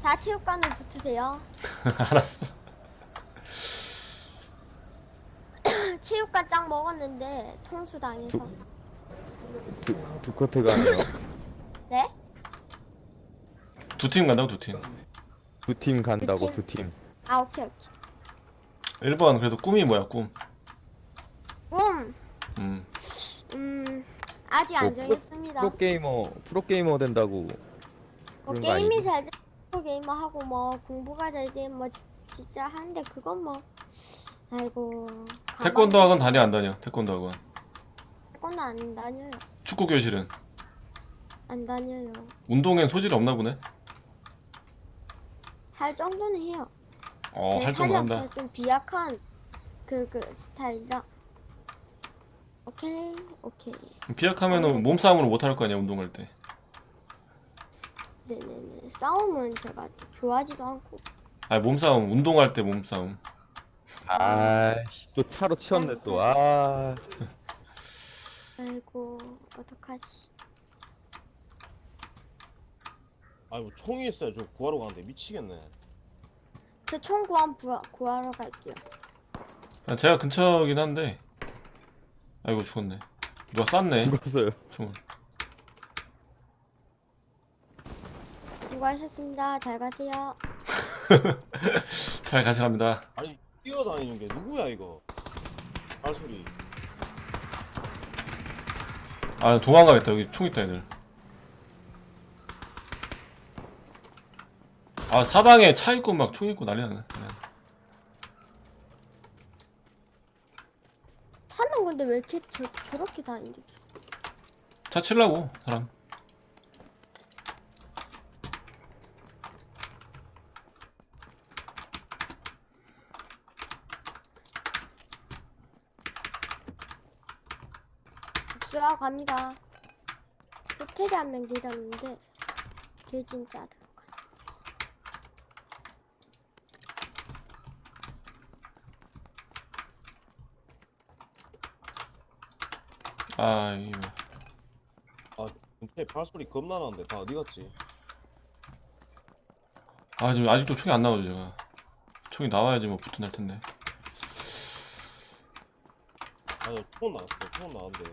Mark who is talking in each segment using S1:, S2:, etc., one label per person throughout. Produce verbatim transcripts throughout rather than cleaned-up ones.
S1: 자, 체육관에 붙으세요.
S2: 알았어.
S1: 체육관 짱 먹었는데 통수 당해서.
S3: 두, 두 커트가 아니라
S1: 네?
S2: 두 팀 간다고 두 팀.
S3: 두 팀 간다고
S1: 두 팀?
S3: 두 팀.
S1: 아, 오케이 오케이.
S2: 일 번 그래서 꿈이 뭐야 꿈?
S1: 음,
S2: 음.
S1: 음 아직 안
S3: 뭐 프로-
S1: 정했습니다.
S3: 프로 게이머 프로 게이머 된다고
S1: 뭐
S3: 그런 거
S1: 게임이
S3: 아니지?
S1: 잘 되고 게이머 하고 뭐 공부가 잘 되면 뭐 지- 진짜 하는데 그건 뭐 아이고.
S2: 태권도 학원 다녀 안 다녀? 태권도 학원.
S1: 태권도 안 다녀요.
S2: 축구 교실은?
S1: 안 다녀요.
S2: 운동엔 소질이 없나 보네.
S1: 할 정도는 해요.
S2: 어,
S1: 제
S2: 할
S1: 살이
S2: 정도 한다.
S1: 없어서 좀 비약한 그 그 스타일이라. 오케이 오케이.
S2: 비약하면은 몸싸움으로 못 할 거 아니야 운동할 때.
S1: 네네네. 싸움은 제가 좋아하지도 않고.
S2: 아니 몸싸움 운동할 때 몸싸움.
S3: 아씨 또 차로 치웠네 또. 아
S1: 아이고 어떡하지.
S4: 아니 뭐 총이 있어요. 저 구하러 가는데 미치겠네.
S1: 저 총 구한 구하, 구하러 갈게요.
S2: 아, 제가 근처긴 한데. 아이고 죽었네. 누가 쐈네.
S3: 죽었어요.
S2: 총을.
S1: 수고하셨습니다. 잘 가세요.
S2: 잘 가시랍니다.
S4: 아니 뛰어다니는 게 누구야 이거? 발소리.
S2: 아 도망가겠다. 여기 총 있다 애들. 아 사방에 차 있고 막 총 있고 난리 나네.
S1: 사는 건데 왜 이렇게 저, 저렇게 다니는데 계속.
S2: 차 칠라고 사람.
S1: 복수하고 갑니다. 호텔에 한 명 내렸는데 개진 자르러 가.
S2: 아 이게 뭐.
S4: 아 근데 발소리 겁나 나는데 다 어디 갔지?
S2: 아 지금 아직도 총이 안 나오죠 제가. 총이 나와야지 뭐 붙어 날 텐데.
S4: 아니 총 나왔어. 총 나왔는데.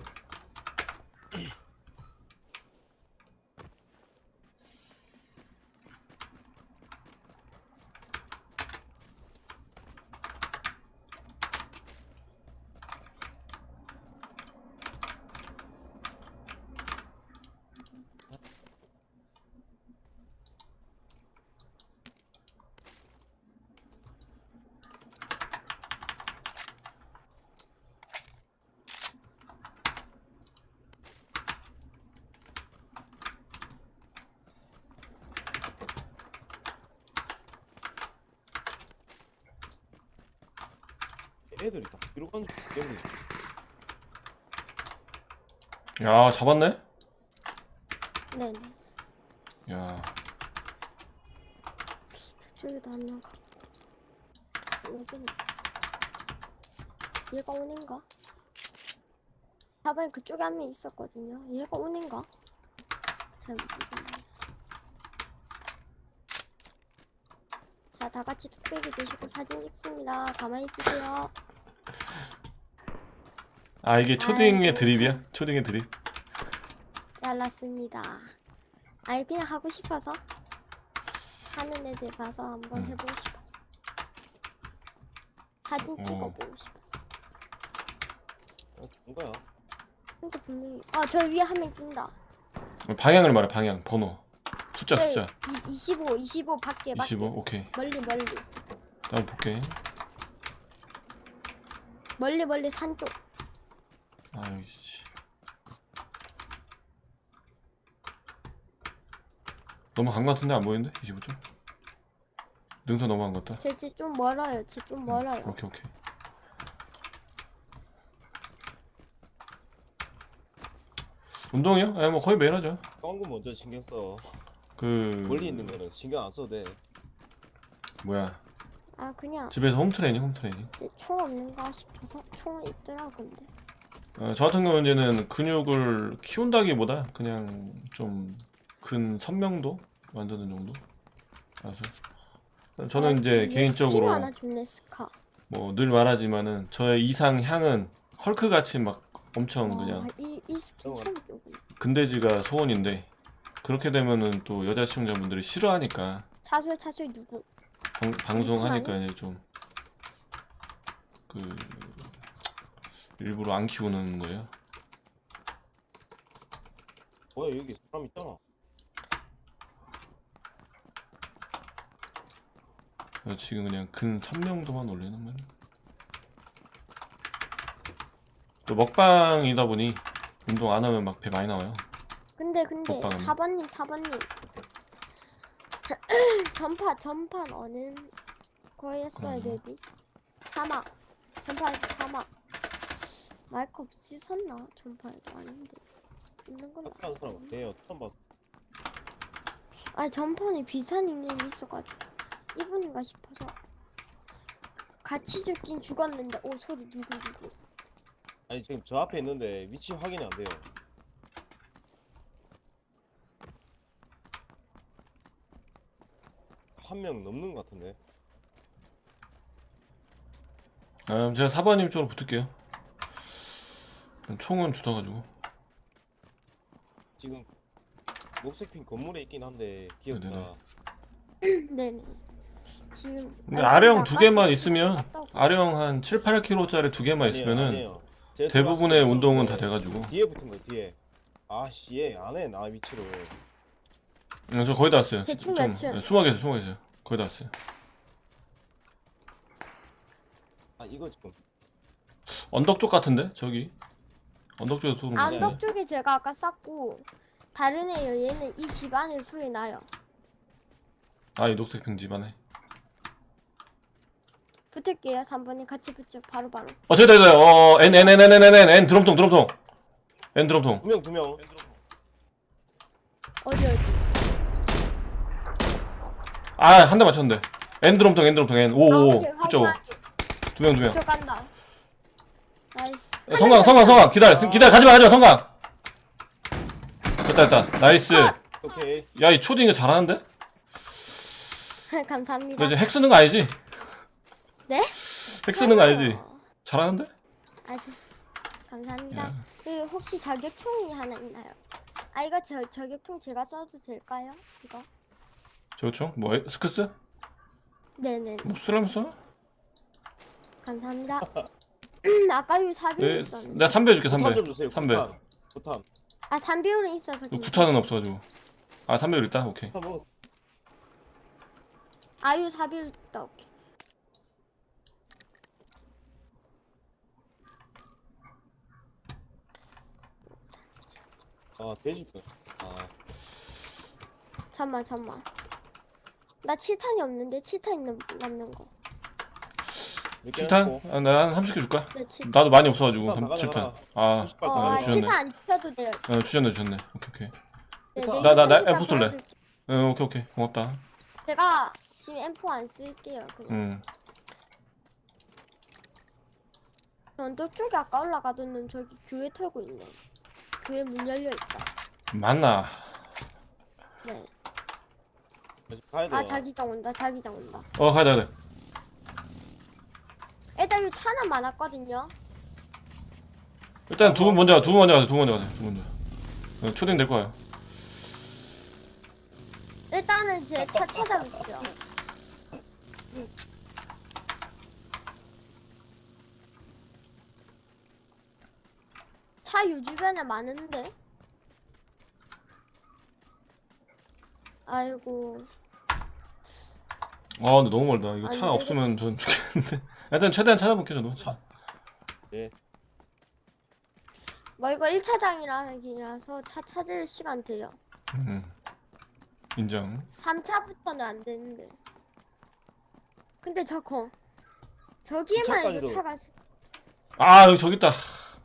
S4: 애들이 다 뒤로 가는 게 때문에.
S2: 야 잡았네?
S1: 네네.
S2: 야
S1: 저쪽에도 한 명 가. 오겠네. 얘가 오는가? 사번에 그쪽에 한 명 있었거든요. 얘가 오는가? 잘 모르겠네. 자, 다 같이 뚝배기 드시고 사진 찍습니다. 가만히 있으세요.
S2: 아 이게 초딩의
S1: 아이고.
S2: 드립이야? 초딩의 드립?
S1: 잘났습니다. 아니 그냥 하고 싶어서 하는 애들 봐서 한번
S2: 음.
S1: 해보고 싶었어. 사진
S2: 어.
S1: 찍어보고 싶었어.
S4: 어, 본 거야.
S1: 근데 분명히 아저 위에 한 명 뛴다.
S2: 방향을 말해 방향 번호 숫자
S1: 네,
S2: 숫자
S1: 이, 이십오, 이십오 밖에 밖에.
S2: 이십오 오케이.
S1: 멀리 멀리
S2: 다음 볼게.
S1: 멀리 멀리 산 쪽.
S2: 아 여기 씨. 너무 간 거 같은데 안 보이는데? 이십오 점? 능선 너무 간것 같다.
S1: 쟤 좀 멀어요. 쟤 좀 멀어요.
S2: 오케이 오케이. 운동이요? 아니 뭐 거의 매일 하죠.
S4: 싼 거 먼저 신경 써.
S2: 그
S4: 멀리 있는 거는 신경 안 써도 돼.
S2: 뭐야
S1: 아 그냥
S2: 집에서 홈트레이닝 홈트레이닝.
S1: 쟤 총 없는가 싶어서 총은 있더라고 근데.
S2: 어, 저 같은 경우는 이제는 근육을 키운다기보다 그냥 좀 근 선명도 만드는 정도? 알았어요. 저는 이제
S1: 얘 스킨
S2: 개인적으로
S1: 하나 줬네 스카.
S2: 뭐 늘 말하지만은 저의 이상향은 헐크 같이 막 엄청
S1: 와,
S2: 그냥
S1: 이, 이 스킨 처음 껴보네.
S2: 근대지가 소원인데 그렇게 되면은 또 여자 시청자분들이 싫어하니까
S1: 차수야 차수야 누구?
S2: 방, 방송하니까 이제 좀 그 일부러 안 키우는 거예요.
S4: 뭐야 여기 사람 있잖아.
S2: 그래서 지금 그냥 근 삼 명도만 올리는 거예요. 또 먹방이다 보니 운동 안 하면 막 배 많이 나와요.
S1: 근데 근데
S2: 오빠는.
S1: 사 번님 사 번님 전파 전판 어느 거였어요
S2: 그럼요.
S1: 랩이? 사막 전파에서 사막 마이크 없이 섰나? 전파에도 아닌데 있는 걸로
S4: 하는 사람 같아요. 처음 봤어.
S1: 아 전판에 비슷한 닉네임이 있어가지고 이분인가 싶어서 같이 죽긴 죽었는데 오 소리 누구 누구
S4: 아니 지금 저 앞에 있는데 위치 확인이 안 돼요. 한 명 넘는 것 같은데.
S2: 아, 그럼 제가 사 번님 쪽으로 붙을게요. 총은 주워가지고.
S4: 지금 녹색핀 건물에 있긴 한데 기억나.
S2: 네네네.
S1: 네네 지금
S2: 근데
S1: 아니,
S2: 아령
S1: 근데
S2: 두
S1: 아까
S2: 개만
S1: 저
S2: 있으면
S1: 갔다고.
S2: 아령 한 칠, 팔 킬로그램짜리 두 개만
S4: 아니에요,
S2: 있으면은
S4: 아니에요. 제가
S2: 대부분의
S4: 들어왔을 때
S2: 운동은
S4: 있었는데
S2: 다 돼가지고.
S4: 뒤에 붙은 거야 뒤에. 아씨 얘 안해 나 위치를.
S2: 응, 저 거의 다 왔어요.
S1: 대충
S2: 좀,
S1: 몇 층?
S2: 네, 숨어 계세요, 숨어 계세요. 거의 다 왔어요.
S4: 아 이거 지금
S2: 언덕 쪽 같은데? 저기. 언덕 쪽에서 쏘는 거
S1: 언덕
S2: 같은데?
S1: 쪽에 제가 아까 쌌고 다른 애요 얘는 이 집 안에 소리 나요
S2: 아, 이 녹색 빙 집안에.
S1: 붙을게요 삼 번님 같이 붙죠 바로바로
S2: 어, 저기, 저기, 저기, 어, N, N, N, N, N, N, N, N, 드럼통, 드럼통. N 드럼통.
S4: 두 명 두 명.
S1: 어디 어디
S2: 아, 한 대 맞췄는데. N 드럼통, N 드럼통, N. 오,
S1: 아,
S2: 오, 오.
S1: 오케이,
S2: 그쪽.
S1: 확인하기.
S2: 두 명, 두 명.
S1: 들어간다 나이스
S2: 성강, 성강, 성강. 기다려, 기다려, 가지마, 가지마, 성강. 됐다, 됐다. 나이스.
S4: 오케이.
S2: 야, 이 초딩 이거 잘하는데?
S1: 감사합니다
S2: 너 이제 핵 쓰는 거 아니지?
S1: 네?
S2: 핵 쓰는 거 아니지? 잘하는데?
S1: 아직 감사합니다
S2: 야.
S1: 그 혹시 저격총이 하나 있나요? 아 이거 저, 저격총 제가 써도 될까요? 이거?
S2: 저총 뭐, 에- 스크스?
S1: 네네
S2: 뭐 쓰라면서?
S1: 감사합니다 아까 요 사비율
S2: 네,
S1: 있었는데
S2: 내가 삼배 줄게,
S4: 구탄
S2: 삼배.
S4: 좀 주세요.
S2: 삼배.
S4: 구탄. 구탄.
S1: 아 삼비율은 있어서 괜찮아
S2: 구탄은 없어가지고. 아, 삼배율 있다? 오케이.
S4: 구탄 먹었어.
S1: 아유 사비율 있다 오케이
S4: 아 돼지뼈. 아
S1: 잠만 잠만 나 칠탄이 없는데 칠탄 있는 남는 거
S4: 이렇게
S2: 칠탄?
S4: 해놓고
S2: 아, 나한 삼십 개 줄까?
S1: 네, 칠...
S2: 나도 많이 없어가지고.
S4: 칠탄 나가자,
S2: 칠 탄.
S4: 나가자.
S2: 아,
S4: 구십
S1: 어,
S4: 발
S2: 아,
S1: 아,
S2: 주셨네.
S1: 칠탄 안 펴도 돼요
S2: 어, 주셨네, 주셨네. 오케이, 오케이.
S1: 네,
S4: 나-
S1: 네,
S2: 나- 나- 나
S1: 삼십 발
S2: 엠포 쏠래.
S1: 보여드릴게요.
S2: 어, 오케이, 오케이. 고맙다.
S1: 제가 지금 엠포 안 쓸게요 그냥
S2: 응.
S1: 언덕 쪽에 아까 올라가던 놈 저기 교회 털고 있네 교회 문 열려있다
S2: 맞나?
S1: 네.
S4: 가야 돼.
S1: 아 자기장 온다 자기장 온다
S2: 어, 가야 돼, 가야 돼.
S1: 일단 이 차는 많았거든요
S2: 일단 두 분 먼저 가, 두 분 먼저 가세요, 두 분 먼저 가세요, 두 분 먼저. 어, 초딩 될 거예요.
S1: 일단은 제 차 찾아볼게요 차 요 주변에 많은데 아이고
S2: 아, 근데 너무 멀다. 이거
S1: 안
S2: 차
S1: 되겠-
S2: 없으면 전 죽겠는데. 일단 최대한 찾아볼게요, 저도. 차.
S4: 예.
S1: 뭐 이거 일 차장이라서 차 찾을 시간 돼요
S2: 음. 인정.
S1: 삼 차부터는 안 되는데 근데 저거 저기에만 해도
S4: 차까지도.
S1: 차가 시-
S2: 아, 여기 저기 있다.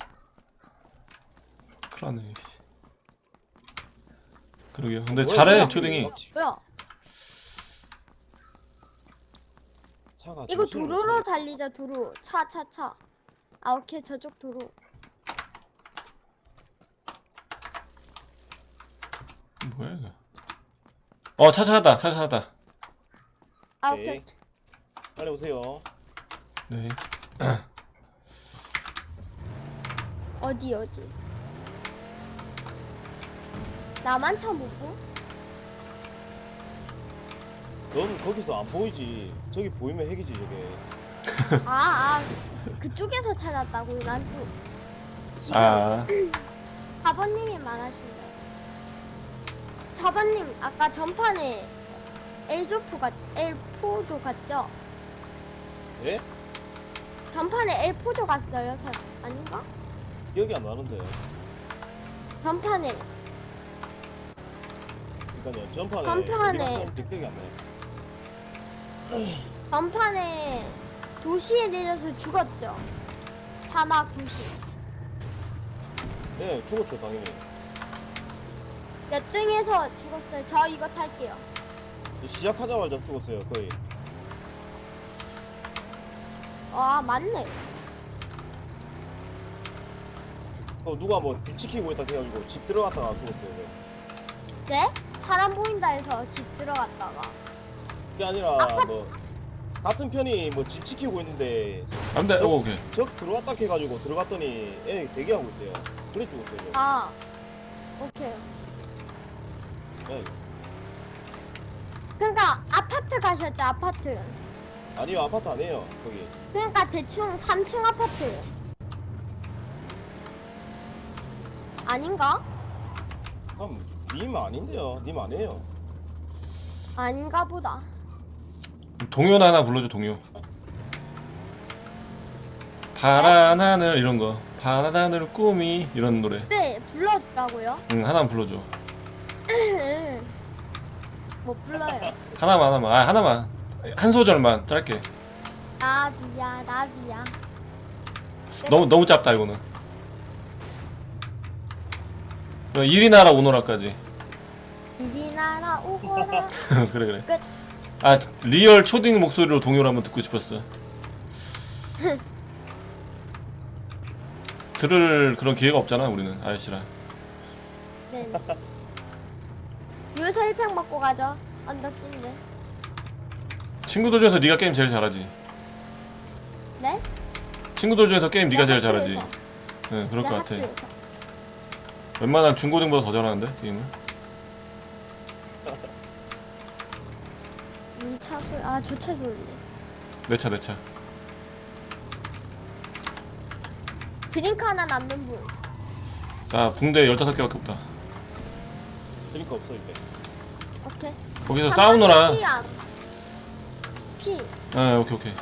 S2: 큰일 났네, 씨. 그러게요. 근데
S4: 뭐야,
S2: 잘해,
S4: 뭐야,
S2: 초딩이.
S4: 뭐야.
S1: 뭐야
S4: 차가
S1: 이거
S4: 정신을 못
S1: 도로로
S4: 차려.
S1: 달리자 도로 차 차 차 아 오케이 저쪽 도로
S2: 뭐야, 이거. 어, 차 찾았다, 차 찾았다.
S1: 아
S4: 오케이.
S1: 오케이.
S4: 빨리 오세요.
S2: 네.
S1: 어디 어디? 나만 차 못 보?
S4: 넌 거기서 안 보이지. 저기 보이면 핵이지 저게.
S1: 아, 아 그쪽에서 찾았다고요? 난 또 지금
S2: 아,
S1: 사 번님이 말하신 거예요. 사 번님 아까 전판에 엘조포 같 엘포조 갔죠?
S4: 예?
S1: 전판에 엘포조 갔어요? 사, 아닌가?
S4: 기억이 안 나는데.
S1: 전판에
S4: 그러니까요. 전판에.
S1: 전판에.
S4: 어디 갔었는지 기억이 안 나요.
S1: 전판에 도시에 내려서 죽었죠? 사막 도시.
S4: 네, 죽었죠 당연히.
S1: 몇 등에서 죽었어요? 저 이거 탈게요.
S4: 시작하자마자 죽었어요 거의.
S1: 아 맞네.
S4: 또 누가 뭐 뒤치키고 있다 해가지고 집 들어갔다가 죽었어요.
S1: 네? 사람 보인다 해서 집 들어갔다가.
S4: 그게 아니라 뭐 같은 편이 뭐 집 지키고 있는데
S2: 안 돼. 오, 오케이.
S4: 적 들어왔다 해가지고 들어갔더니 애 대기하고 있대요. 그래 죽었어요.
S1: 아 오케이.
S4: 네.
S1: 그러니까 아파트 가셨죠? 아파트.
S4: 아니요 아파트 아니에요 거기.
S1: 그러니까 대충 삼 층 아파트. 아닌가?
S4: 그럼 님 아닌데요. 님 아니에요.
S1: 아닌가 보다.
S2: 동요나 하나 불러줘, 동요. 파란 하늘 이런 거. 파란 하늘 꿈이 이런 노래.
S1: 네 불러주라고요?
S2: 응, 하나만 불러줘.
S1: 못 불러요.
S2: 하나만, 하나만. 아, 하나만. 한 소절만 짧게.
S1: 나비야 나비야.
S2: 너무 너무 짧다 이거는. 이리 나라 오너라까지.
S1: 이리 나라 오거라.
S2: 그래 그래.
S1: 끝.
S2: 아 리얼 초딩 목소리로 동요를 한번 듣고 싶었어. 들을 그런 기회가 없잖아 우리는 아저씨랑.
S1: 네네. 요새 일 평 먹고 가죠. 언덕진데.
S2: 친구들 중에서 네가 게임 제일 잘하지.
S1: 네?
S2: 친구들 중에서 게임 네가 제일 잘하지.
S1: 학교에서.
S2: 응 그럴
S1: 네,
S2: 것 같아.
S1: 학교에서.
S2: 웬만한 중고등보다 더 잘하는데 게임을.
S1: 우리 차 소리. 아저 차 좋은데.
S2: 내 차 내 차.
S1: 드링크 하나 남는 분.
S2: 나 붕대 열다섯 개밖에 없다.
S4: 드링크 없어 이제.
S1: 오케이.
S2: 거기서
S1: 잠깐만,
S2: 싸우느라.
S1: 피 안- 피.
S2: 아 오케이 오케이.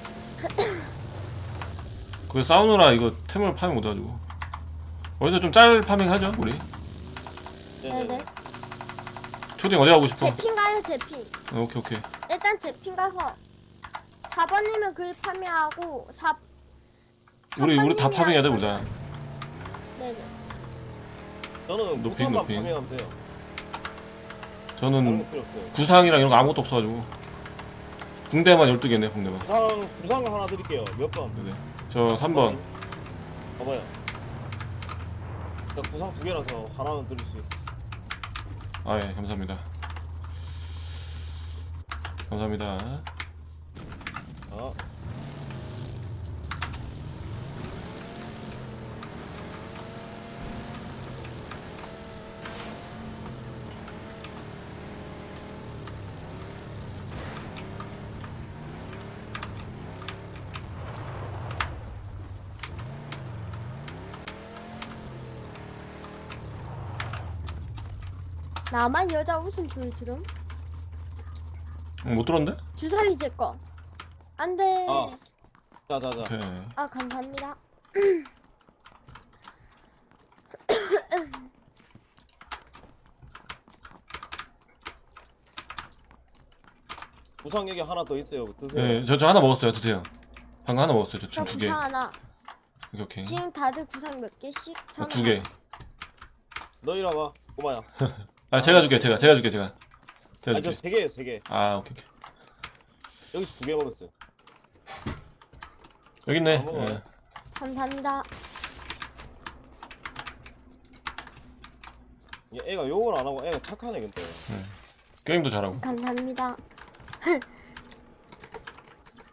S2: 거기서 싸우느라 이거 템을 파밍 못해가지고. 어디서 좀 짤 파밍 하죠 우리.
S1: 네네.
S2: 초딩 어디 가고 싶어?
S1: 제 핀가요 제 핀.
S2: 어, 오케이 오케이.
S1: 일단 제 핀 가서 사 번님은 그 파밍하고 사.
S2: 우리 우리 다
S1: 삼 번님이랑
S2: 파밍해야 돼 보자.
S1: 네네.
S4: 저는
S2: 높이,
S4: 무탄만
S2: 높이.
S4: 파밍하면 돼요. 다른
S2: 저는
S4: 거 필요 없어요.
S2: 구상이랑 이런 거 아무것도 없어가지고. 붕대만 열두 개네 붕대만.
S4: 구상 구상 하나 드릴게요. 몇 번?
S2: 네네. 저 삼 번.
S4: 봐봐요. 저 구상 두 개라서 하나는 드릴 수 있어.
S2: 아 예 감사합니다. 감사합니다.
S4: 아,
S1: 나만 여자 웃음소리 들음?
S2: 응, 못 들었는데?
S1: 주사위 제 거. 안돼.
S4: 아. 자자자.
S2: 오케이.
S1: 아 감사합니다.
S4: 구상 여기 하나 더 있어요. 드세요.
S2: 네, 저, 저 하나 먹었어요. 드세요. 방금 하나 먹었어요. 저
S1: 저
S2: 지금 두 개.
S1: 구상 하나.
S2: 오케이, 오케이.
S1: 지금 다들 구상 몇 개씩?
S2: 아,
S1: 저는
S2: 두 개.
S4: 너 이리 와봐. 꼬마야.
S2: 아, 제가 줄게, 제가. 제가 줄게, 제가. 제가
S4: 아니 저
S2: 줄게.
S4: 세 개예요, 세 개.
S2: 아, 오케이, 오케이.
S4: 여기서 두 개 먹었어요.
S2: 여기 있네.
S4: 다 먹어요.
S2: 예.
S1: 감사합니다.
S4: 얘 애가 욕을 안 하고 애가 착하네 근데.
S2: 게임도 잘하고.
S1: 감사합니다.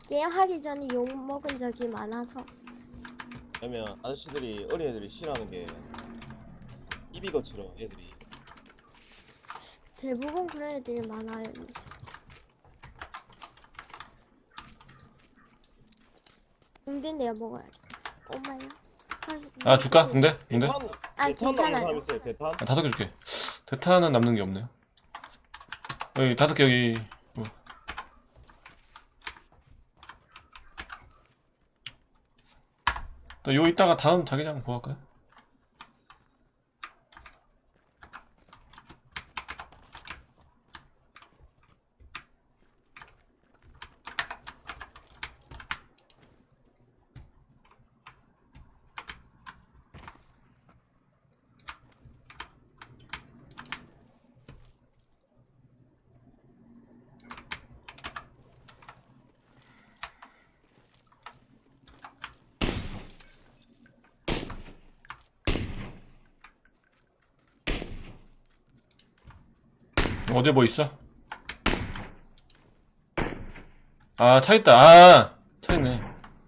S1: 게임 하기 전에 욕 먹은 적이 많아서.
S4: 왜냐면 아저씨들이 어린 애들이 싫어하는 게 입이 거칠어 애들이.
S1: 대부분 그런 애들이 많아요 요새. 붕대 내가 먹어야겠다. 엄마야.
S2: 아 줄까? 붕대? 붕대?
S4: 대탄
S1: 아,
S4: 대탄 남는
S1: 괜찮아요.
S4: 사람 있어요 대탄?
S2: 아, 다섯 개 줄게. 대탄은 남는 게 없네요. 여기 다섯 개 여기. 어. 또 요 이따가 다음 자기장 보고 할까요? 어디 뭐 있어? 아, 차 있다. 아, 차 있네.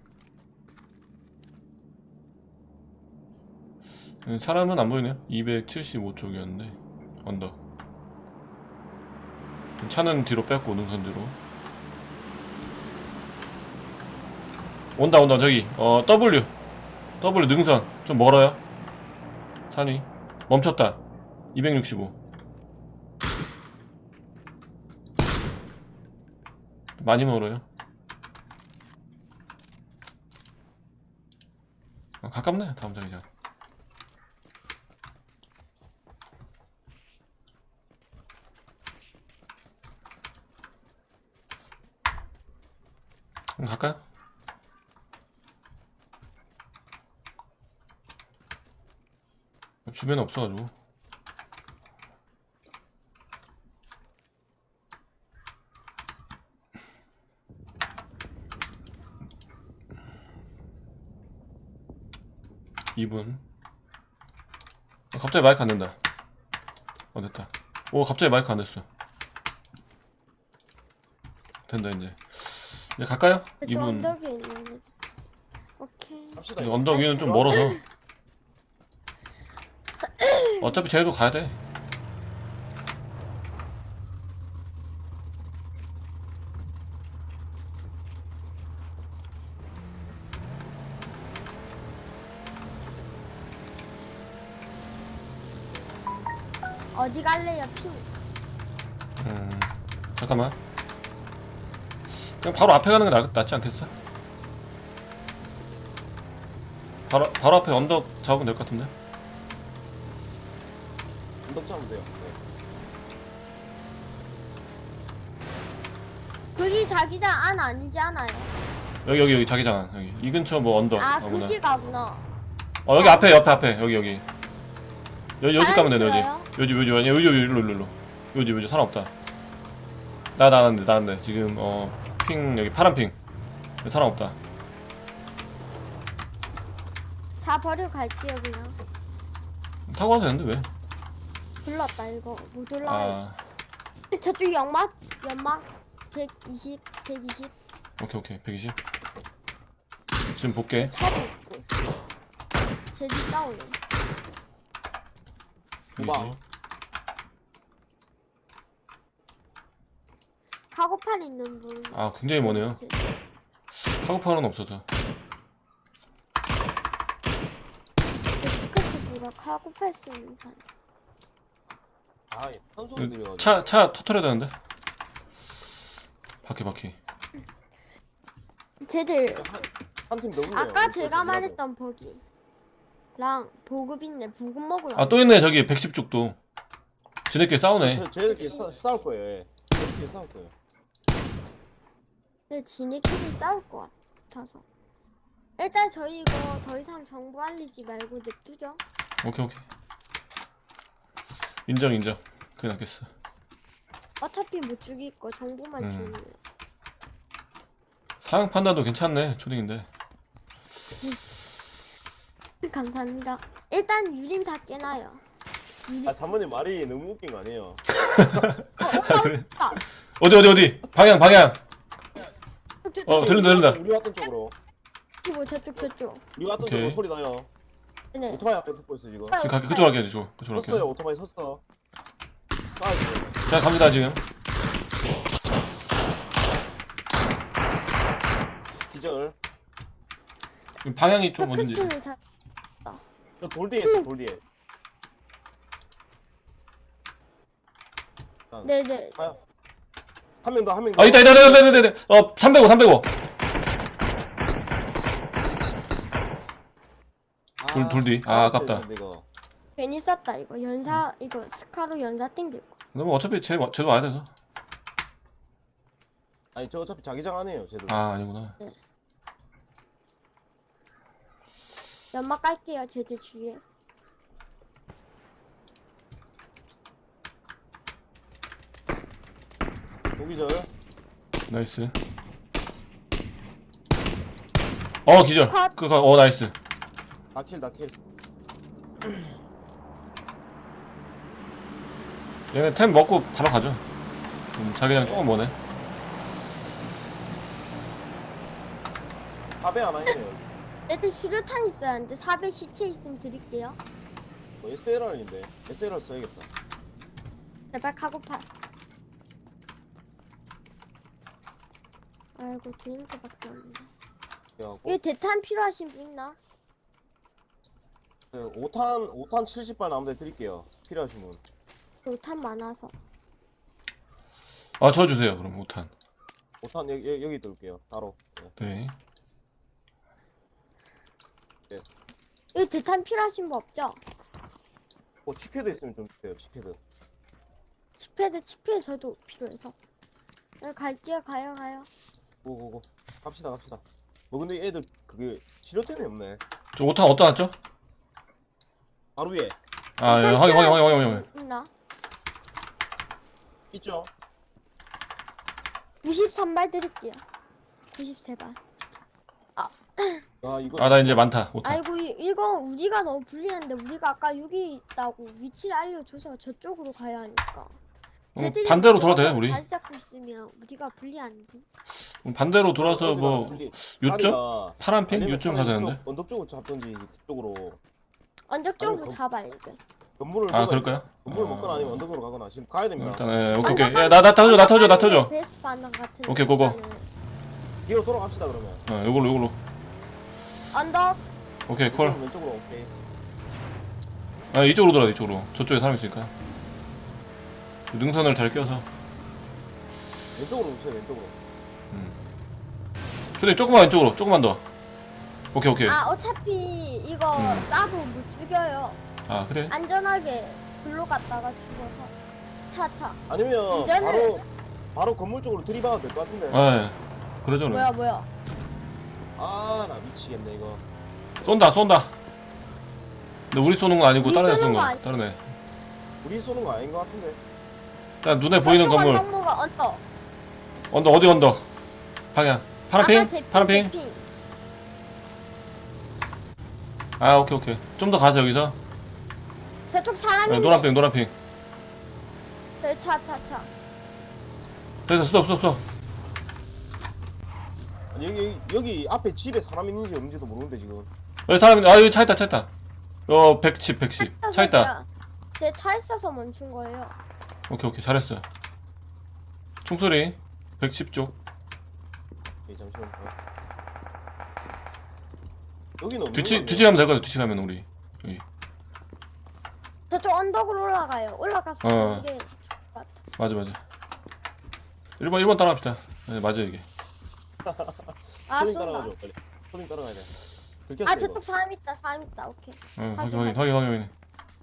S2: 사람은 안 보이네요. 이백칠십오 쪽이었는데 언덕. 차는 뒤로 뺐고 능선 뒤로. 온다 온다 저기. 어 W W 능선 좀 멀어요. 산이 멈췄다. 이백육십오. 많이 멀어요. 아, 가깝네. 다음 장이장. 그럼 갈까요? 주변에 없어가지고. 이 분. 어, 갑자기 마이크 안 된다. 어 됐다. 오 갑자기 마이크 안 됐어. 된다 이제. 이제 갈까요? 이
S1: 저
S2: 분.
S1: 언덕에 있는 애. 오케이.
S4: 갑시다.
S2: 언덕 위는 좀 멀어서. 어차피 쟤도 가야 돼.
S1: 어디 갈래요 핑?
S2: 음, 잠깐만. 그냥 바로 앞에 가는 게 낫, 낫지 않겠어? 바로, 바로 앞에 언덕 잡으면 될 것 같은데?
S4: 언덕 잡으면 돼요. 네.
S1: 그게 자기장 안 아니지 않아요?
S2: 여기, 여기, 여기, 자기장, 여기. 이 근처 뭐 언덕.
S1: 아
S2: 아무나.
S1: 그게 가구나.
S2: 어, 여기 앞에, 옆에, 앞에. 여기, 여기. 여기, 여기 가면 되네,
S1: 알았어요.
S2: 여기. 여기, 여기, 여기, 여기, 여기, 일로, 일로, 일로. 여기, 여기, 사람 없다. 나, 나는데, 나는데. 지금, 어, 핑, 여기 파란 핑. 여기 사람 없다.
S1: 자 버리고 갈게요 그냥.
S2: 타고 가도 되는데, 왜?
S1: 불렀다 이거 못 올라가요.
S2: 아,
S1: 저쪽 연막 연막 백이십 백이십.
S2: 오케이, 오케이. 백이십. 지금 볼게.
S1: 차도 있고. 쟤들 싸우네.
S4: 도망.
S1: 카고팔 있는 분.
S2: 아, 굉장히 머네요.
S1: 쟤-
S2: 카고팔은 없어져.
S1: 스커스보다 카고팔 쓰는 사람.
S4: 아, 한 소리 들려.
S2: 차, 차 터트려야 되는데? 바퀴, 바퀴.
S1: 쟤들
S4: 한팀 너무.
S1: 아까 제가 말했던 버기랑 보급 있네. 보급 먹으러.
S2: 아, 또 있네, 저기, 백십 쪽도. 지네끼리 싸우네.
S4: 저 쟤들끼리 싸- 싸울 거예요. 예. 쟤들끼리 싸울 거예요.
S1: 근데 지네끼리 싸울 것 같아서. 일단 저희 이거 더 이상 정보 알리지 말고 냅두죠.
S2: 오케이, 오케이. 인정, 인정. 그게 낫겠어.
S1: 어차피 못 죽일 거 정보만
S2: 음.
S1: 주면.
S2: 상황 판단도 괜찮네, 초딩인데.
S1: 감사합니다. 일단 유림 다 깨놔요. 유림.
S4: 아, 사모님 말이 너무 웃긴 거 아니에요?
S1: 어, 오빠
S2: 그래.
S1: 오빠.
S2: 어디, 어디, 어디? 방향, 방향.
S1: 저쪽
S2: 어, 들린다, 들린다.
S4: 우리 왔던 쪽으로.
S1: 뭐 저쪽 저쪽.
S4: 우리 왔던
S2: 오케이.
S4: 쪽으로 소리 나요.
S1: 네.
S4: 오토바이 앞에 붙고 있어 지금.
S2: 지금 갈게. 그쪽 갈게, 그쪽. 그쪽
S4: 섰어요.
S2: 갈게.
S4: 오토바이 섰어. 아,
S2: 자, 갑니다, 지금.
S4: 기절.
S2: 지금 방향이 좀 어딘지.
S1: 크스는 잘.
S4: 저돌 뒤에 있어. 돌 뒤에.
S1: 네네.
S4: 가요. 한 명 더, 한 명 더.
S2: 아, 있다, 있다, 있다, 있다, 있다, 있다. 어, 삼백오, 삼백오. 돌, 돌 뒤. 아, 아깝다.
S4: 했는데, 이거.
S1: 괜히 쌌다 이거 연사 이거 스카로 연사 땡길 거.
S2: 근데 뭐 어차피 쟤, 쟤도 와야 돼서.
S4: 아니 저 어차피 자기장 안 해요. 쟤도.
S2: 아, 아니구나.
S1: 연막 깔게요 제들 주위에.
S4: 도기절.
S2: 나이스. 어, 기절.
S1: 컷.
S2: 그, 어, 나이스.
S4: 다킬 다킬.
S2: 얘네 템 먹고 바로 가죠. 음, 자기장 조금 머네.
S4: 사배 하나 있네요.
S1: 애들 수류탄 있어야 하는데 사배 시체 있으면 드릴게요.
S4: 뭐 에스엘알인데 에스엘알 써야겠다.
S1: 제발 카고팔. 아이고 드링크밖에 없네.
S4: 그래갖고
S1: 여기 대탄 필요하신 분 있나?
S4: 그 오 탄 오 탄 칠십 발 남은데 드릴게요. 필요하신 분.
S1: 대탄 많아서.
S2: 아, 저 주세요, 그럼, 오 탄.
S4: 오 탄 여기 여기, 여기 들게요. 바로. 네.
S2: 네.
S1: 여기 대탄 필요하신 분 없죠?
S4: 어 치패드 있으면 좀 주세요. 치패드.
S1: 칙패드 칙패드 저도 필요해서. 네, 갈게요 가요 가요.
S4: 고고고. 갑시다 갑시다. 뭐 근데 애들 그게 치료템이 없네.
S2: 저 오 탄 어디다 놨죠?
S4: 바로 위에
S2: 아, 예,
S1: 대탄
S2: 확인, 확인, 확인,
S1: 필요하신
S2: 확인.
S1: 분 있나?
S4: 있죠.
S1: 구십삼 발 드릴게요. 구십삼 발.
S4: 아 이거
S2: 아, 나 이제 많다, 오 탄.
S1: 아이고 이, 이거 우리가 너무 불리한데 우리가 아까 여기 있다고 위치를 알려줘서 저쪽으로 가야 하니까. 쟤들이
S2: 반대로 돌아도 돼,
S1: 들어와서
S2: 우리.
S1: 자리 잡고 있으면 우리가 불리한데.
S2: 그럼 반대로 돌아서 뭐, 요점?
S4: 다리가
S2: 파란 핑?
S4: 아니면
S2: 요점
S4: 차라리
S2: 가야 되는데?
S4: 이쪽 언덕 쪽으로 잡던지 이쪽으로
S1: 언덕 쪽으로
S4: 아니,
S1: 잡아야 돼.
S4: 건물을
S2: 아,
S4: 먹어야
S2: 그럴까요?
S4: 돼. 건물을
S2: 어.
S4: 먹거나 아니면 언덕으로 가거나 지금 가야 됩니다.
S2: 일단, 예, 오케이, 오케이. 야, 나, 나 터져, 나 터져, 나 터져.
S1: 베스트 반응 같은.
S2: 오케이, 고고.
S1: 일단은.
S4: 뒤로 돌아갑시다 그러면.
S2: 어, 요걸로, 요걸로.
S1: 언덕.
S2: 오케이, 콜.
S4: 왼쪽으로, 왼쪽으로 오케이.
S2: 아, 이쪽으로 돌아, 이쪽으로. 저쪽에 사람 있으니까. 능선을 잘 껴서.
S4: 왼쪽으로 오세요 왼쪽으로.
S2: 슈딩 조금만 왼쪽으로, 조금만 더. 오케이, 오케이.
S1: 아 어차피 이거
S2: 음.
S1: 싸도 못 죽여요.
S2: 아, 그래?
S1: 안전하게 글로 갔다가 죽어서. 차차.
S4: 아니면
S1: 이제는-
S4: 바로 바로 건물 쪽으로 들이박아도 될 것 같은데.
S2: 아, 예. 그러죠, 그래.
S1: 뭐야 뭐야.
S4: 아 나 미치겠네 이거.
S2: 쏜다, 쏜다. 근데 우리 쏘는 거 아니고
S1: 우리
S2: 다른 애
S1: 쏘는
S2: 쏜
S1: 거
S2: 거.
S1: 아니-
S2: 다른 애.
S4: 우리 쏘는 거 아닌 것 같은데.
S2: 일단 눈에 보이는
S1: 저쪽
S2: 건물.
S1: 언덕모가 언덕.
S2: 언덕, 어디 언덕? 방향. 파란
S1: 아까
S2: 핑?
S1: 제
S2: 파란 핑?
S1: 제 핑.
S2: 아, 오케이, 오케이. 좀 더 가서 여기서.
S1: 저쪽 사람인데.
S2: 네, 노란 핑, 노란 핑.
S1: 저기 차차 차.
S2: 됐어, 스톱, 스톱, 스톱.
S4: 아니, 여기 여기, 여기 앞에 집에 사람 있는지 없는지도 모르는데 지금.
S2: 여기 사람, 아, 여기 차 있다, 차 있다. 어, 백십, 백십. 차 있다.
S1: 제 차 있어서 멈춘 거예요.
S2: 오케이, 오케이. 잘했어. 총소리. 백십 쪽.
S4: 예, 잠시만. 여기는 없는
S2: 뒤치,
S4: 거 아니에요?
S2: 뒤치 가면 될 것 같아, 뒤치 가면 우리. 여기.
S1: 저쪽 언덕으로 올라가요. 올라가서
S2: 어.
S1: 보는 게 좋을 것 같아.
S2: 맞아, 맞아. 일 번, 일 번 따라갑시다. 네, 맞아, 이게.
S1: 아
S4: 손님
S1: 쏜다.
S4: 따라가죠 빨리. 손님 따라가야 돼. 들켰어
S1: 아
S4: 이거.
S1: 저쪽 사람 있다. 사람 있다. 오케이.
S2: 어,
S1: 확인,
S2: 확인, 확인, 확인, 확인.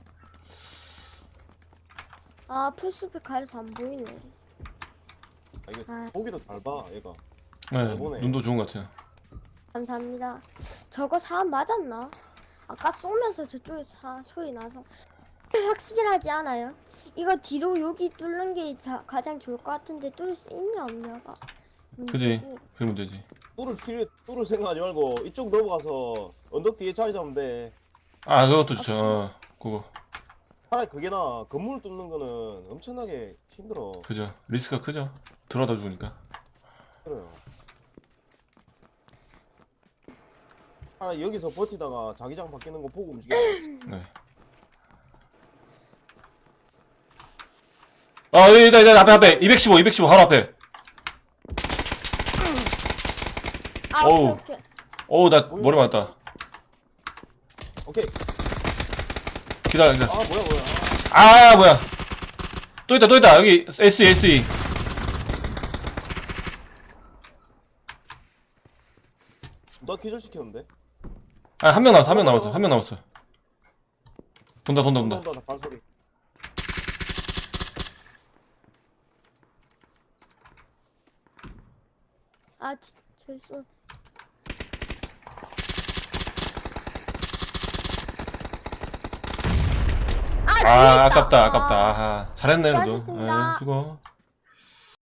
S1: 아 풀숲에 가려서 안 보이네.
S4: 아, 이거
S1: 아.
S4: 보기도 잘 봐 얘가.
S2: 네,
S4: 보네.
S2: 눈도 좋은 것 같아요.
S1: 감사합니다. 저거 사람 맞았나? 아까 쏘면서 저쪽에 사, 소리 나서 확실하지 않아요? 이거 뒤로 여기 뚫는 게 자, 가장 좋을 것 같은데 뚫을 수 있냐 없냐가
S2: 그지?
S1: 문제고.
S2: 그게 문제지.
S4: 뚫을 필요 뚫을 생각하지 말고 이쪽 넘어가서 언덕 뒤에 자리 잡으면 돼.
S2: 아, 그것도 좋죠. 어, 그거.
S4: 차라리 그게 나. 건물 뚫는 거는 엄청나게 힘들어.
S2: 그죠. 리스크가 크죠. 들어다 죽으니까.
S4: 그래요. 아 여기서 버티다가 자기장 바뀌는 거 보고 움직여.
S2: 네. 아, 여기, 여기, 여기, 앞에, 앞에. 이백십오, 이백십오, 바로 앞에.
S1: 아
S2: 어우.
S1: 오케이 오케이.
S2: 어우, 나 머리 맞았다.
S4: 오케이.
S2: 기다려, 기다려.
S4: 아 뭐야 뭐야.
S2: 아, 뭐야. 또 있다, 또 있다. 여기, 에스이, 에스이.
S4: 나 기절 시켰는데.
S2: 아, 한 명 남았어, 한 명 남았어, 한 명 남았어. 돈다, 돈다,
S4: 온다
S2: 돈다.
S4: 온다 나 발소리.
S1: 아 지- 저기 쏜. 아, 뒤에
S2: 아,
S1: 있다.
S2: 아깝다,
S1: 아.
S2: 아깝다. 아하. 잘했네, 그래도.
S1: 수고하셨습니다.
S2: 에, 수고.